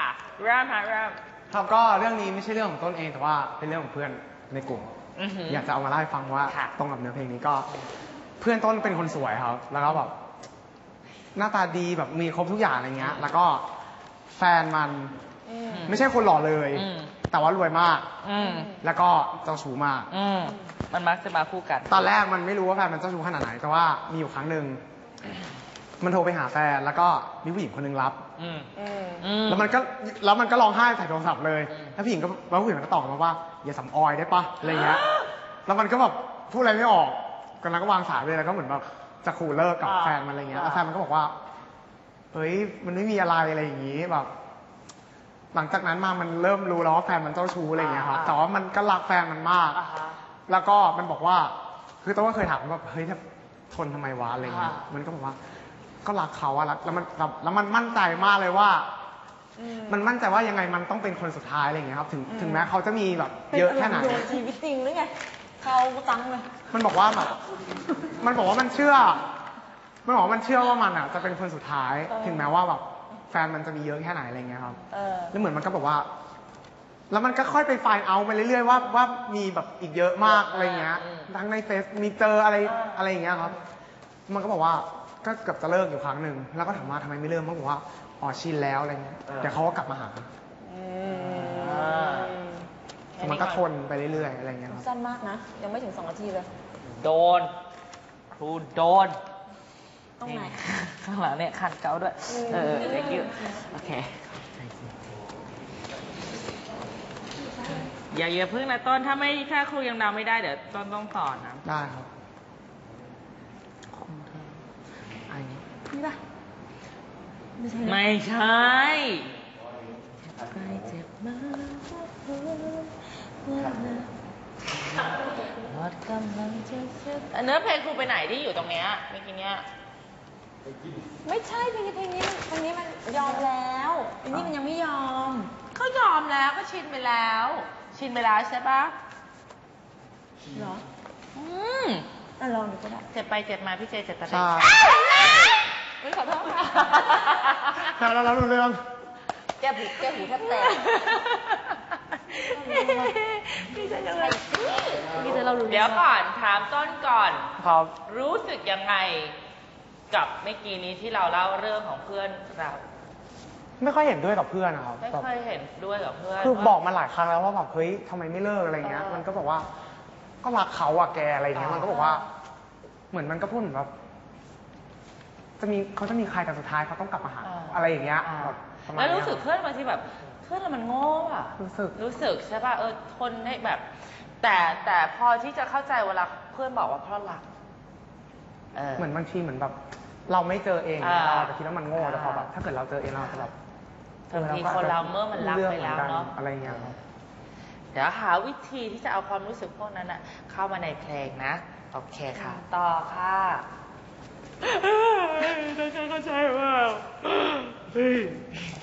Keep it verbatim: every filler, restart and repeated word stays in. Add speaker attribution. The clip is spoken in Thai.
Speaker 1: เริ่มค่ะเริ่ม
Speaker 2: ครับก็เรื่องนี้ไม่ใช่เรื่องของต้นเองแต่ว่าเป็นเรื่องของเพื่อนในกลุ่มอยากจะเอามาเล่าให้ฟังว่าตรงกับเนื้อเพลงนี้ก็เพื่อนต้นเป็นคนสวยครับแล้วก็แบบหน้าตาดีแบบมีครบทุกอย่างอะไรเงี้ยแล้วก็แฟนมันไม่ใช่คนหล่อเลยแต่ว่ารวยมากแล้วก็เจ้าชู้มาก
Speaker 1: มันมักจะมาคู่กัน
Speaker 2: ตอนแรกมันไม่รู้ว่าแฟนมันเจ้าชู้ขนาดไหนแต่ว่ามีอยู่ครั้งหนึ่งมันโทรไปหาแฟนแล้วก็มีผู้หญิงคนนึงรับแล้วมันก็แล้วมันก็ร้องไห้ใส่โทรศัพท์เลยแล้วผู้หญิงก็แล้วผู้หญิงก็ตอบมาว่าอย่าสำออยได้ปะอะไรเงี้ยแล้วมันก็แบบพูดอะไรไม่ออกกันแล้วก็วางสายไปแล้วก็เหมือนแบบจะขู่เลิกกับแฟนมันอะไรเงี้ยแล้วแฟนมันก็บอกว่าเฮ้ยมันไม่มีอะไรอะไรอย่างงี้แบบหลังจากนั้นมามันเริ่มรู้แล้วว่าแฟนมันเจ้าชู้อะไรเงี้ยครับแต่ว่ามันก็รักแฟนมันมากแล้วก็มันบอกว่าคือต้องก็เคยถามว่าเฮ้ยทนทำไมวะอะไรเงี้ยมันก็บอกว่าก็รักเขาอะรักแล้วมันแล้วมันมั่นใจมากเลยว่ามันมั่นใจว่ายังไงมันต้องเป็นคนสุดท้ายอะไรเงี้ยครับถึงถึงแม้เขาจะมีแบบเยอะแค่ไหน
Speaker 3: ชีวิตจริงหรือไงเขาตั้งเลย
Speaker 2: มันบอกว่าแบบมันบอกว่ามันเชื่อมันบอกว่ามันเชื่อว่ามันอะจะเป็นคนสุดท้ายถึงแม้ว่าแบบแฟนมันจะมีเยอะแค่ไหนอะไรเงี้ยครับแล้วเหมือนมันก็บอกว่าแล้วมันก็ค่อยไปไฟล์เอาไปเรื่อยๆว่าว่ามีแบบอีกเยอะมากอะไรเงี้ยทั้งในเฟซมีเจออะไรอะไรอย่างเงี้ยครับมันก็บอกว่าก็เกือบจะเลิกอยู่ครั้งหนึ่งแล้วก็ถามว่าทำไมไม่เลิกมันบอกว่าอ๋อชินแล้วอะไรเงี้ยเดี๋ยวเขาก็กลับมาหามันก็ทนไปเรื่อยๆอะไรเงี้ยครับ
Speaker 3: สั้นมากนะยังไม่ถึงสองนาทีเลย
Speaker 1: โดนครูโดน
Speaker 3: ตรงไหน
Speaker 1: ข้างหลังเนี่ยขัดเกาด้วยเออเด็กยืดโอเคอย่าเยอะพึ่งนะต้นถ้าไม่ถ้าครูยังเดาไม่ได้เดี๋ยวต้นต้องสอนนะ
Speaker 2: ได้ครับ
Speaker 3: นี่ป่ะ
Speaker 1: ไม่ใช่ใครเจ็บมากหมดกำลังจะเสียเนื้อเพลงครูไปไหนที่อยู่ตรงเนี้ยเมื่อกี้เนี้ย
Speaker 3: ไม่ใช่เพลงเพลงนี้เพลงนี้มันยอมแล้วเพลงนี้มันยังไม่ยอม
Speaker 1: เขายอมแล้วก็ชินไปแล้วชินไปแล้วใช่ปะ
Speaker 3: เหรอ
Speaker 1: อืม
Speaker 3: อ่ะลองดูก็ได้
Speaker 1: เจ็บไปเจ็บมาพี่เจเจ็บตาเด็
Speaker 2: ก
Speaker 3: ไม่ขอโทษค่ะ
Speaker 2: แล้วเรารู้เรื่อง
Speaker 3: แก้หูแก้หูแทบแตก
Speaker 1: พี่เจจะเลยพี่เจเรารู้เดี๋ยวก่อนถามต้นก่อน
Speaker 2: ครับ
Speaker 1: รู้สึกยังไงกับเมื่อกี้นี้ที่เราเล่าเรื่องของเพื่อนเรา
Speaker 2: ไม่ค่อยเห็นด้วยกับเพื่อนนะครับ
Speaker 1: ไม่ค่อยเห็นด้วยกับเพื่อน
Speaker 2: คือบอกมาหลายครั้งแล้วว่าแบบเฮ้ยทำไมไม่เลิกอะไรเงี้ยมันก็บอกว่าก็รักเขาอะแกอะไรเงี้ยมันก็บอกว่าเหมือนมันก็พูดเหมือนแบบจะมีเขาจะมีใครแต่สุดท้ายเขาต้องกลับมาหาอะไรอย่างเงี้ย
Speaker 1: แล้วรู้สึกเพื่อนบางทีแบบเพื่อนเรามันโง่อะ
Speaker 2: รู้สึก
Speaker 1: รู้สึกใช่ป่ะเออทนได้แบบแต่แต่พอที่จะเข้าใจเวลาเพื่อนบอกว่าเพราะรัก
Speaker 2: เหมือนบางทีเหมือนแบบเราไม่เจอเองเราอาจจะคิดว่ามันโง่แต่พอแบบถ้าเกิดเราเจอเองเราจะแบบ
Speaker 1: บางทีคนเราเมื่อมันรักไปแล้วเนาะ
Speaker 2: อะไรเงี้ยครับ
Speaker 1: เดี๋ยวหาวิธีที่จะเอาความรู้สึกพวกนั้นอะเข้ามาในเพลงนะโอเคค่ะต่อค่ะต้องเข้าใจว่าเฮ้ย